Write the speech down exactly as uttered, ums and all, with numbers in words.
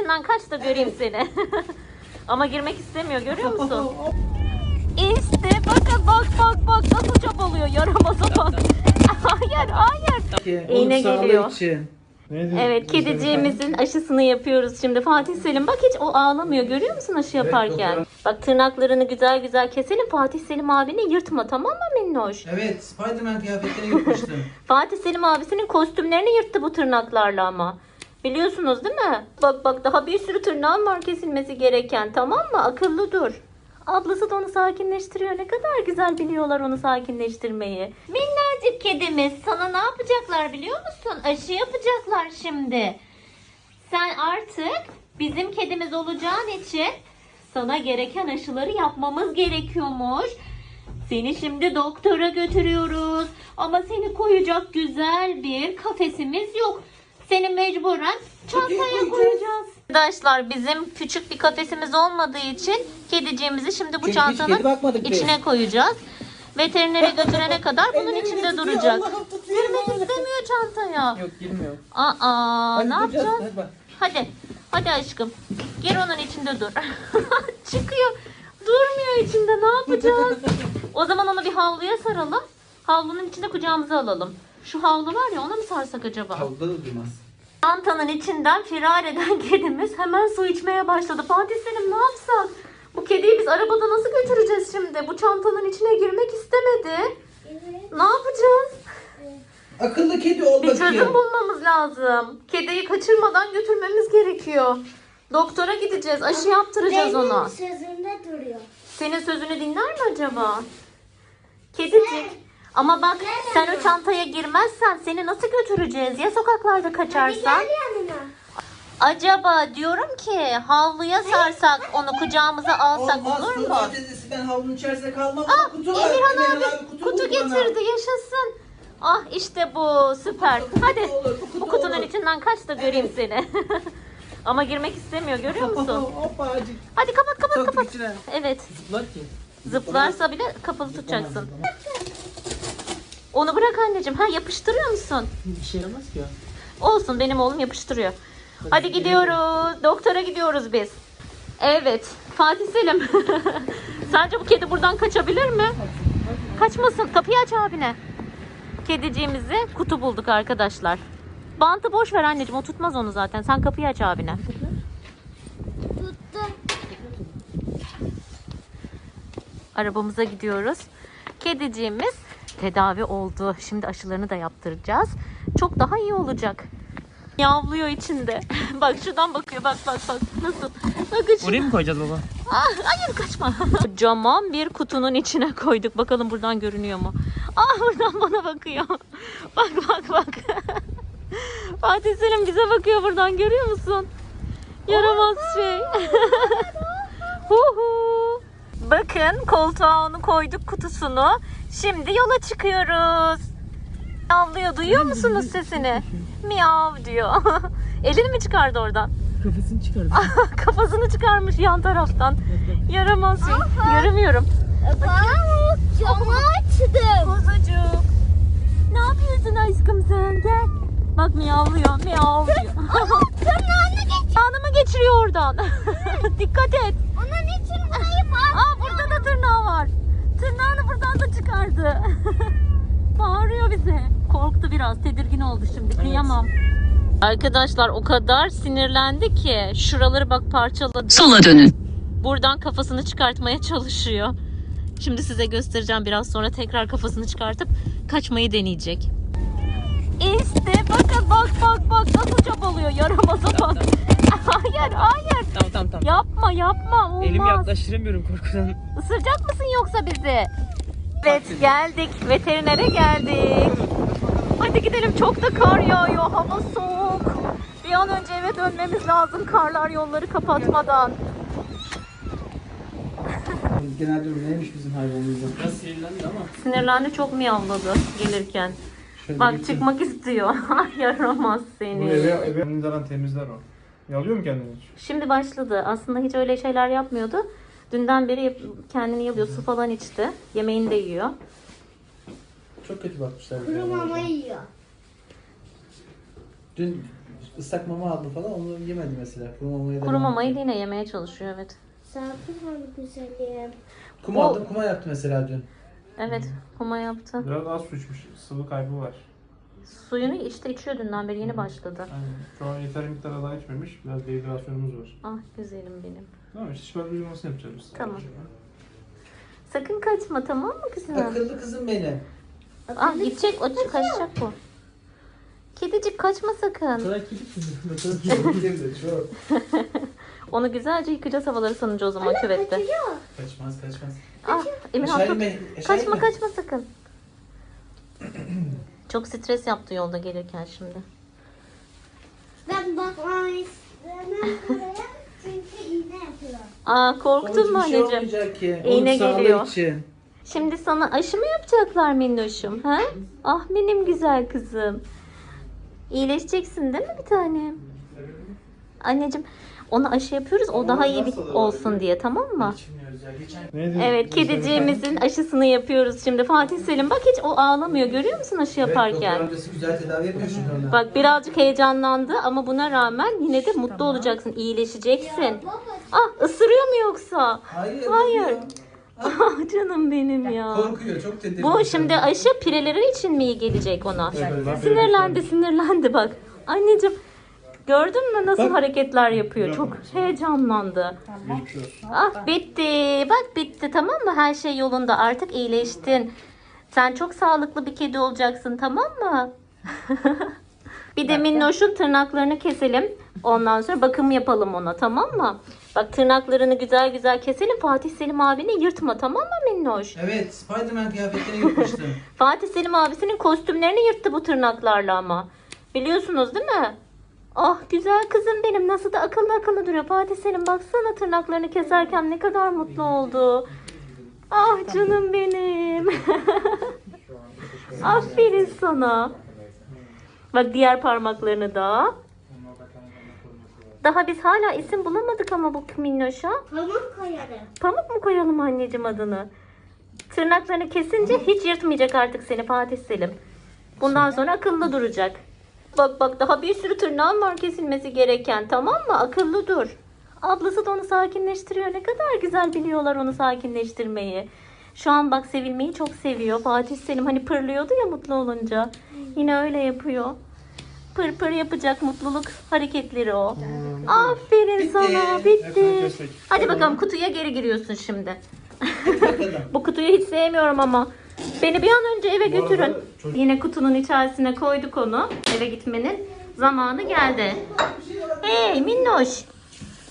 içinden kaç da göreyim seni. Ama girmek istemiyor, görüyor musun? İşte bakın, bak bak bak nasıl çabalıyor, yaramaza bak. Hayır hayır. İğne geliyor. Için. Evet, kediciğimizin aşısını yapıyoruz şimdi. Fatih Selim bak, hiç o ağlamıyor, görüyor musun aşı yaparken? Evet, bak tırnaklarını güzel güzel keselim. Fatih Selim abini yırtma, tamam mı minnoş? Evet, Spiderman kıyafetlerini yırtmıştım. Fatih Selim abisinin kostümlerini yırttı bu tırnaklarla ama. Biliyorsunuz değil mi? Bak bak, daha bir sürü tırnağın var kesilmesi gereken, tamam mı? Akıllı dur. Ablası da onu sakinleştiriyor. Ne kadar güzel biliyorlar onu sakinleştirmeyi. Minnacık kedimiz, sana ne yapacaklar biliyor musun? Aşı yapacaklar şimdi. Sen artık bizim kedimiz olacağın için sana gereken aşıları yapmamız gerekiyormuş. Seni şimdi doktora götürüyoruz. Ama seni koyacak güzel bir kafesimiz yok. Seni mecburen çantaya koyacağız. Arkadaşlar, bizim küçük bir kafesimiz olmadığı için kediciğimizi şimdi bu Çünkü çantanın içine biz. koyacağız. Veterinere götürene kadar bunun içinde duracak. Girmek istemiyor çantaya. Yok, girmiyor. Aa, Hadi ne duracağız, yapacağız? hadi bak. Hadi. Hadi aşkım. Gir onun içinde dur. Çıkıyor. Durmuyor içinde. Ne yapacağız? O zaman onu bir havluya saralım. Havlunun içinde kucağımıza alalım. Şu havlu var ya, ona mı sarsak acaba? Havluda da durmaz. Çantanın içinden firar eden kedimiz hemen su içmeye başladı. Fatih Selim, ne yapsak? Bu kediyi biz arabada nasıl götüreceğiz şimdi? Bu çantanın içine girmek istemedi. Evet. Ne yapacağız? Akıllı kedi ol Bir bakayım. çözüm bulmamız lazım. Kediyi kaçırmadan götürmemiz gerekiyor. Doktora gideceğiz. Aşı yaptıracağız Benim ona. sözümde duruyor. Senin sözünü dinler mi acaba? Kedicik. Ama bak, sen o çantaya girmezsen seni nasıl götüreceğiz? Ya sokaklarda kaçarsan? Gel yanına. Acaba diyorum ki havluya sarsak, onu kucağımıza alsak Olmaz, olur mu? Tuğba teyzesi, ben havlunun içerisinde kalmam. Ah, Kutu var. Emirhan abi kutu, kutu buldu bana. getirdi, yaşasın. Ah işte bu, süper. Hadi olur, bu kutu bu kutunun olur. içinden kaç da göreyim seni. Ama girmek istemiyor, görüyor musun? Hoppa acık. Hadi kapat kapat Soktuk kapat. içine. Evet, Zıplar ki. zıplarsa bile kapalı tutacaksın. Onu bırak anneciğim. Ha, yapıştırıyor musun? Bir şey yaramaz ki ya. Olsun, benim oğlum yapıştırıyor. Hadi gidiyoruz. Doktora gidiyoruz biz. Evet. Fatih Selim. Sence bu kedi buradan kaçabilir mi? Kaçmasın. Kapıyı aç abine. Kediciğimizi kutu bulduk arkadaşlar. Bantı boş ver anneciğim. O tutmaz onu zaten. Sen kapıyı aç abine. Tuttu. Arabamıza gidiyoruz. Kediciğimiz tedavi oldu. Şimdi aşılarını da yaptıracağız. Çok daha iyi olacak. Yavluyor içinde. Bak şuradan bakıyor. Bak bak bak. Nasıl? Bakın Oraya mı koyacağız baba? Ah, hayır, kaçma. Kocaman bir kutunun içine koyduk. Bakalım buradan görünüyor mu? Ah, buradan bana bakıyor. Bak bak bak. Fatih Selim bize bakıyor buradan, görüyor musun? Yaramaz şey. Hu hu. Bakın, koltuğa onu koyduk, kutusunu. Şimdi yola çıkıyoruz. Miyavlıyor, duyuyor musunuz sesini? Miyav diyor. Elini mi çıkardı oradan? Kafasını çıkardı. Kafasını çıkarmış yan taraftan. Yaramaz şey. Göremiyorum. Bak, camı açtım. Kuzucuk. Ne yapıyorsun aşkım sen? Gel. Bak, miyavlıyor. Miyav diyor. Tırnağını geç. Kanımı geçiriyor oradan. Dikkat et. Onun için burayı bak. Aa, burada da tırnağı var. Tırnağını buradan da çıkardı. Bağırıyor bize. Korktu biraz. Tedirgin oldu şimdi. Kıyamam. Arkadaşlar, o kadar sinirlendi ki şuraları bak parçaladı. Sola dönün. Buradan kafasını çıkartmaya çalışıyor. Şimdi size göstereceğim, biraz sonra tekrar kafasını çıkartıp kaçmayı deneyecek. İşte bakın, bak bak bak nasıl çabalıyor, yaramaza bak. Hayır hayır. Tamam tamam tamam. Yapma yapma, olmaz. Elimi yaklaştıramıyorum korkudan. Isıracak mısın yoksa bizi? Evet, geldik. Veterinere geldik. Hadi gidelim, çok da kar yağıyor. Hava soğuk. Bir an önce eve dönmemiz lazım, karlar yolları kapatmadan. Genelde neymiş bizim hayvanımızda? Biraz sinirlendi ama. Sinirlendi, çok miyavladı gelirken. Şöyle Bak, gittim. çıkmak istiyor. Ay, yaramaz seni. Bu eve, eve kendini zaten temizler o. Yalıyor mu kendini hiç? Şimdi başladı. Aslında hiç öyle şeyler yapmıyordu. Dünden beri yap- kendini yalıyor. Su falan içti. Yemeğini de yiyor. Çok kötü bakmışlar. Kuru mama yiyor. Dün ıslak mama aldı falan onu yemedi mesela. Kuru mamaya Kuru mamayı da yine yemeye çalışıyor, evet. Sakin ol güzelim. Kuma aldım, kuma yaptı mesela dün. Evet, huma yaptı. Biraz az su içmiş. Sıvı kaybı var. Suyunu işte içiyor dünden beri, yeni başladı. Yani şu an yeteri miktarda daha içmemiş. Biraz dehidrasyonumuz var. Ah güzelim benim. Tamam işte şifa uygulamasını yapacağız biz. Tamam. Sakın kaçma, tamam mı kızım? Akıllı kızım benim. Ah gidecek, o kaçacak bu. Kedicik kaçma sakın. Sana kilit kızım. Çok sevdi, çok. Onu güzelce yıkayacağız havaları sanınca o zaman küvette. Kaçıyor. Kaçmaz, kaçmaz. Ah Emirhan Aşağı tut. inme, aşağı Kaçma inme. kaçma sakın. Çok stres yaptı yolda gelirken şimdi. Ben bakmak istemem buraya çünkü iğne yapıyor. Aa korktun mu Babacığım, bir şey anneciğim? olmayacak ki. İğne Onun sağlığı geliyor. için. Şimdi sana aşı mı yapacaklar minnoşum? Ha? Ah benim güzel kızım. İyileşeceksin değil mi bir tanem? Anneciğim ona aşı yapıyoruz, o daha iyi bir olsun diye, tamam mı? İçmiyoruz ya. Geçen Neydi? Evet, kediciğimizin aşısını yapıyoruz şimdi. Fatih Selim bak hiç o ağlamıyor, görüyor musun aşı Evet, yaparken? doktor amcası güzel tedavi yapıyor şimdi ona. Bak birazcık heyecanlandı ama buna rağmen yine de mutlu olacaksın, iyileşeceksin. Ah ısırıyor mu yoksa? Hayır. Hayır. yapıyor. Ah canım benim ya. Korkuyor, çok tedirgin. Bu şimdi aşı pireleri için mi iyi gelecek ona? Evet. Sinirlendi sinirlendi bak. Anneciğim gördün mü nasıl Bak. hareketler yapıyor? Çok heyecanlandı. Geçmiş olsun. Ah bitti. Bak bitti, tamam mı? Her şey yolunda. Artık iyileştin. Sen çok sağlıklı bir kedi olacaksın, tamam mı? Bir de Minnoş'un tırnaklarını keselim. Ondan sonra bakım yapalım ona, tamam mı? Bak tırnaklarını güzel güzel keselim. Fatih Selim abini yırtma, tamam mı Minnoş? Evet, Spiderman kıyafetini yırtmıştım. Fatih Selim abisinin kostümlerini yırttı bu tırnaklarla ama. Biliyorsunuz değil mi? Ah güzel kızım benim, nasıl da akıllı akıllı duruyor. Fatih Selim baksana tırnaklarını keserken ne kadar mutlu oldu. Ah canım benim. Aferin sana. Bak diğer parmaklarını da. Daha biz hala isim bulamadık ama bu minnoşa. Pamuk koyarım. Pamuk mu koyalım anneciğim adını? Tırnaklarını kesince hiç yırtmayacak artık seni Fatih Selim. Bundan sonra akıllı duracak. Bak bak daha bir sürü tırnağın var kesilmesi gereken, tamam mı? Akıllı dur. Ablası da onu sakinleştiriyor. Ne kadar güzel biliyorlar onu sakinleştirmeyi. Şu an bak sevilmeyi çok seviyor. Fatih Selim hani pırlıyordu ya mutlu olunca. Yine öyle yapıyor. Pır pır yapacak mutluluk hareketleri o. Aferin Bitti. sana. Hepsini Bitti. kestik. Hadi bakalım kutuya geri giriyorsun şimdi. Bakalım. Bu kutuyu hiç sevmiyorum ama. Beni bir an önce eve Bu arada götürün. çocuk- Yine kutunun içerisine koyduk onu. Eve gitmenin zamanı geldi. Hey minnoş.